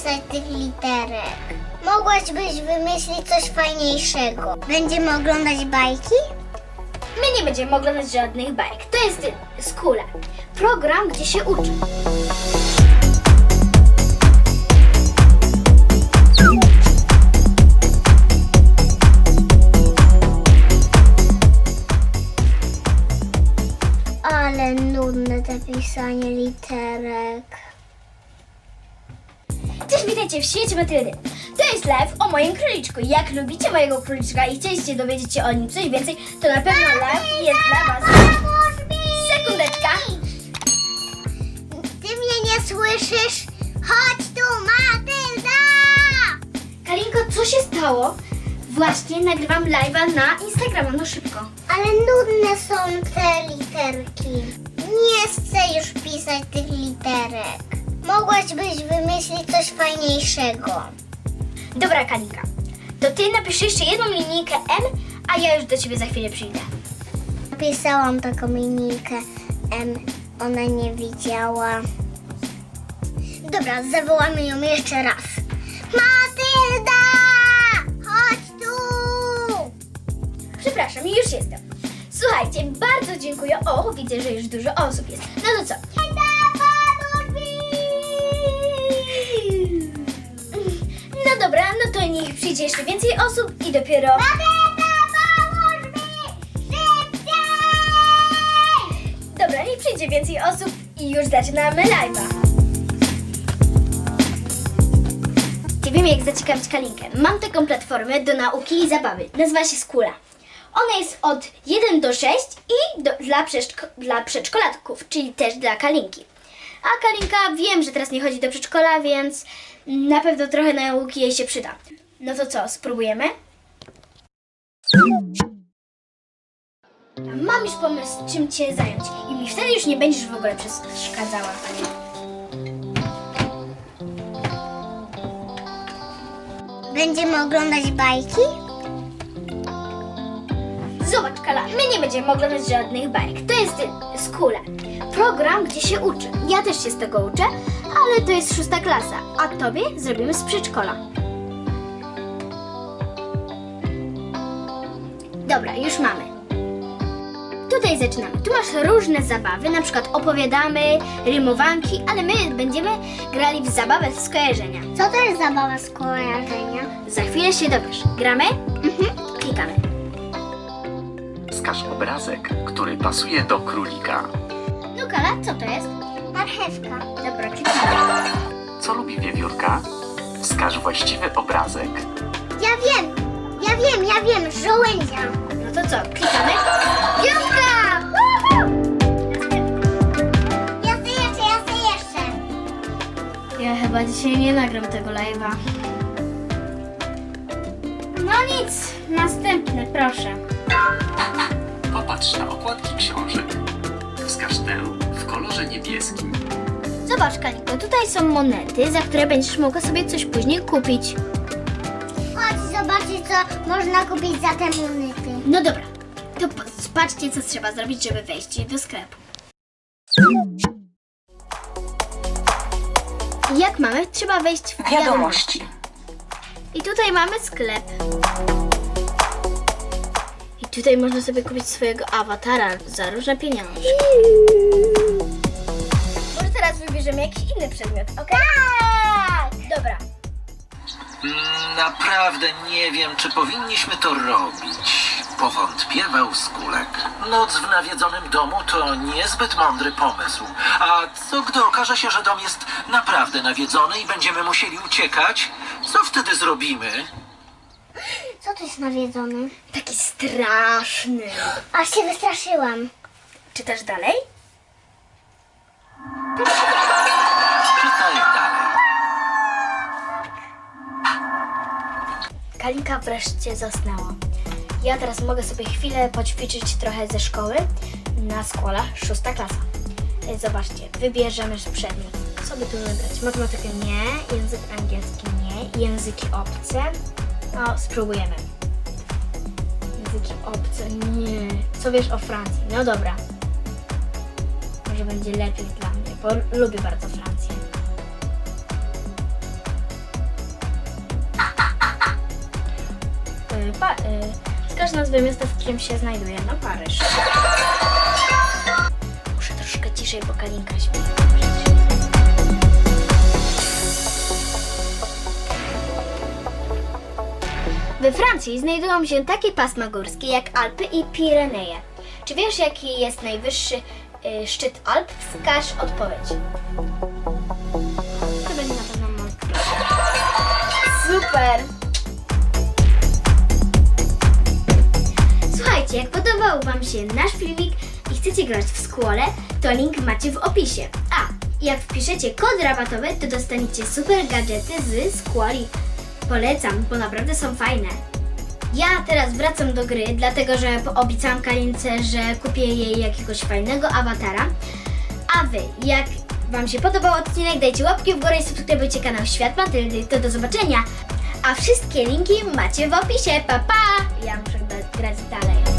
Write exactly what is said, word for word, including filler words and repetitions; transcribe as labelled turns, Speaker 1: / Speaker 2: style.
Speaker 1: pisać tych literek. Mogłabyś wymyślić coś fajniejszego. Będziemy oglądać bajki?
Speaker 2: My nie będziemy oglądać żadnych bajek. To jest Skula. Program, gdzie się uczy.
Speaker 1: Ale nudne te pisanie literek.
Speaker 2: Cześć, witajcie w świecie Matyldy. To jest live o moim króliczku. Jak lubicie mojego króliczka i chcieliście dowiedzieć się o nim coś więcej, to na pewno live jest dla was. Sekundeczka.
Speaker 1: Ty mnie nie słyszysz? Chodź tu, Matylda!
Speaker 2: Kalinko, co się stało? Właśnie nagrywam live'a na Instagrama, no szybko.
Speaker 1: Ale nudne są te literki. Nie chcę już pisać tych literek. Mogłabyś wymyślić coś fajniejszego.
Speaker 2: Dobra, Kalinka, to ty napisz jeszcze jedną linijkę M, a ja już do ciebie za chwilę przyjdę.
Speaker 1: Napisałam taką linijkę M. Ona nie widziała. Dobra, zawołamy ją jeszcze raz. Matylda! Chodź tu!
Speaker 2: Przepraszam, już jestem. Słuchajcie, bardzo dziękuję. O, widzę, że już dużo osób jest. No to co? No dobra, no to niech przyjdzie jeszcze więcej osób i dopiero... Dobra, niech przyjdzie więcej osób i już zaczynamy live'a. Nie wiem, jak zaciekawić Kalinkę. Mam taką platformę do nauki i zabawy. Nazywa się Skula. Ona jest od jeden do sześciu i do, dla, przedszko, dla przedszkolatków, czyli też dla Kalinki. A Kalinka, wiem, że teraz nie chodzi do przedszkola, więc na pewno trochę nauki jej się przyda. No to co, spróbujemy? Mam już pomysł, czym cię zająć i mi wtedy już nie będziesz w ogóle przeszkadzała.
Speaker 1: Będziemy oglądać bajki?
Speaker 2: Zobacz, Kala, my nie będziemy oglądać żadnych bajek. To jest Skula. Program, gdzie się uczy. Ja też się z tego uczę, ale to jest szósta klasa, a tobie zrobimy z przedszkola. Dobra, już mamy. Tutaj zaczynamy. Tu masz różne zabawy, na przykład opowiadamy, rymowanki, ale my będziemy grali w zabawę z skojarzenia.
Speaker 1: Co to jest zabawa z kojarzenia?
Speaker 2: Za chwilę się dowiesz. Gramy? Mhm. Klikamy.
Speaker 3: Wskaż obrazek, który pasuje do królika.
Speaker 2: No Kala, co to jest?
Speaker 1: Marchewka.
Speaker 2: Dobra, klikamy.
Speaker 3: Co lubi wiewiórka? Wskaż właściwy obrazek.
Speaker 1: Ja wiem, ja wiem, ja wiem, żołędzia.
Speaker 2: No to co, klikamy? Piątka!
Speaker 1: Ja chcę jeszcze, ja chcę jeszcze.
Speaker 2: Ja chyba dzisiaj nie nagram tego live'a. No nic, następny, proszę.
Speaker 3: Popatrz na okładki książek. Wskaż tę w kolorze niebieskim.
Speaker 2: Zobacz, Kalinko, tutaj są monety, za które będziesz mogła sobie coś później kupić.
Speaker 1: Chodź zobaczyć, co można kupić za te monety.
Speaker 2: No dobra, to po- patrzcie, co trzeba zrobić, żeby wejść do sklepu. Jak mamy? Trzeba wejść w wiadomości. I tutaj mamy sklep. I tutaj można sobie kupić swojego awatara za różne pieniądze. Może teraz wybierzemy jakiś inny przedmiot, ok?
Speaker 1: Tak!
Speaker 2: Dobra.
Speaker 4: Naprawdę nie wiem, czy powinniśmy to robić. Powątpiewał Skulek. Noc w nawiedzonym domu to niezbyt mądry pomysł. A co gdy okaże się, że dom jest naprawdę nawiedzony i będziemy musieli uciekać? Co wtedy zrobimy?
Speaker 1: Co to jest nawiedzony?
Speaker 2: Taki straszny.
Speaker 1: Aż się wystraszyłam.
Speaker 2: Czytasz dalej?
Speaker 4: Czytaj dalej.
Speaker 2: Kalinka wreszcie zasnęła. Ja teraz mogę sobie chwilę poćwiczyć trochę ze szkoły na Skula, szósta klasa. E, Zobaczcie, wybierzemy przedmiot. Co by tu wybrać? Matematykę nie, język angielski nie, języki obce. No, spróbujemy. Języki obce nie. Co wiesz o Francji? No dobra. Może będzie lepiej dla mnie, bo lubię bardzo Francję. y, pa, y, wskaż nazwę miasta, w którym się znajduje. No Paryż. Muszę troszkę ciszej, bo Kalinka śpi. We Francji znajdują się takie pasma górskie jak Alpy i Pireneje. Czy wiesz, jaki jest najwyższy y, szczyt Alp? Wskaż odpowiedź. To będzie na pewno Mont Blanc. Super! Słuchajcie, jak podobał Wam się nasz filmik i chcecie grać w Squall, to link macie w opisie. A, jak wpiszecie kod rabatowy, to dostaniecie super gadżety z Squally. Polecam, bo naprawdę są fajne. Ja teraz wracam do gry, dlatego że obiecałam Kalince, że kupię jej jakiegoś fajnego awatara. A Wy, jak Wam się podobał odcinek, dajcie łapki w górę i subskrybujcie kanał Świat Matyldy. To do zobaczenia. A wszystkie linki macie w opisie. Pa, pa! Ja muszę grać dalej.